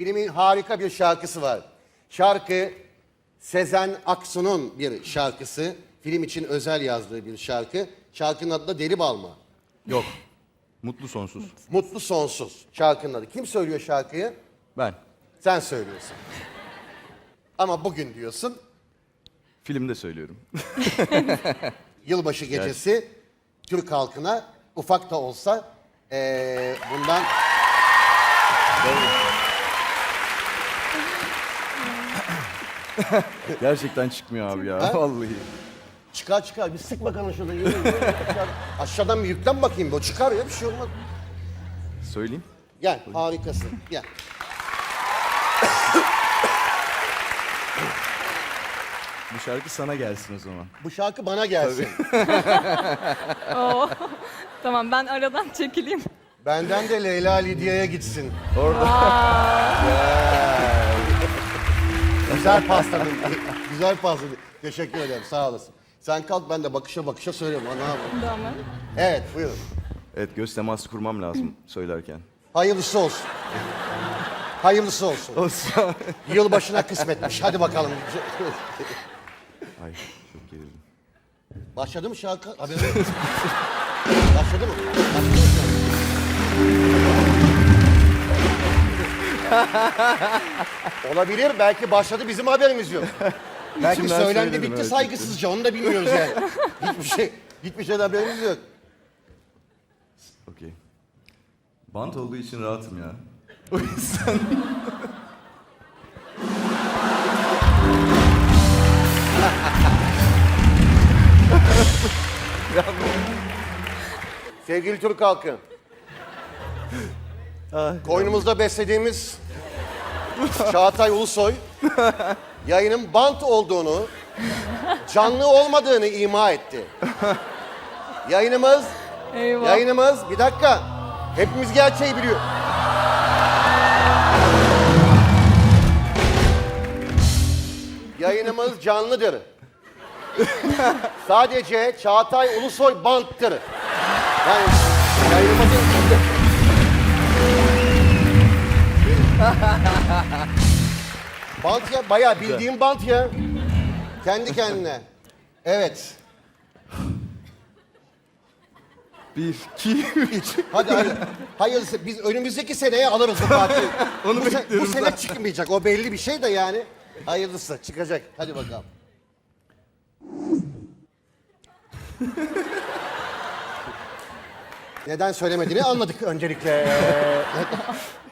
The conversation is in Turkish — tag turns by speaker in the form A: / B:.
A: Filmin harika bir şarkısı var. Şarkı Sezen Aksu'nun bir şarkısı. Film için özel yazdığı bir şarkı. Şarkının adı da Deli Balma.
B: Yok. Mutlu sonsuz.
A: Mutlu Sonsuz şarkının adı. Kim söylüyor şarkıyı?
B: Ben.
A: Sen söylüyorsun. Ama bugün diyorsun.
B: Filmde söylüyorum.
A: Yılbaşı gecesi Türk halkına ufak da olsa bundan
B: Gerçekten çıkmıyor abi ya. Vallahi.
A: çıkar. Bir sık bakalım şurada. Yürü. Aşağıdan bir yüklen bakayım. O çıkar ya, bir şey olmaz.
B: Söyleyeyim.
A: Gel, harikasın. Gel.
B: Bu şarkı sana gelsin o zaman.
A: Bu şarkı bana gelsin.
C: Oo. Tamam, ben aradan çekileyim.
A: Benden de Leyla Lidya'ya gitsin. Güzel pastanın. Güzel pastanın. Teşekkür ederim. Sağ olasın. Sen kalk, ben de bakışa bakışa söylüyorum. Ne yapayım?
C: Tamam.
A: Evet, buyurun.
B: Evet, göz teması kurmam lazım söylerken.
A: Hayırlısı olsun. Hayırlısı olsun.
B: Olsa.
A: Yılbaşına kısmetmiş. Hadi bakalım.
B: Ay çok gerildim.
A: Başladı mı şarkı? Haberin yok. Başladı mı? Başladı mı şarkı? Olabilir. Belki başladı, bizim haberimiz yok. Belki
B: İçimden
A: söylendi,
B: söyledim,
A: bitti
B: evet.
A: saygısızca. Onu da bilmiyoruz yani. Hiçbir şeyden haberimiz yok.
B: Okey. Bant olduğu için rahatım ya. O yüzden.
A: Sevgili Türk halkı. Koynumuzda beslediğimiz Çağatay Ulusoy yayının bant olduğunu, canlı olmadığını ima etti.
C: Eyvah.
A: Yayınımız, bir dakika. Hepimiz gerçeği biliyor. Yayınımız canlıdır. Sadece Çağatay Ulusoy banttır. Yani yayınımızın... Bant ya, bayağı bildiğim bant ya. Kendi kendine. Evet.
B: 1, 2, 3.
A: Hadi. Hayırlısı, biz önümüzdeki seneye alırız bu partiyi.
B: Onu
A: bu
B: bekliyoruz
A: sene
B: zaten.
A: çıkmayacak, o belli bir şey de yani. Hayırlısı çıkacak. Hadi bakalım. Neden söylemediğini anladık öncelikle.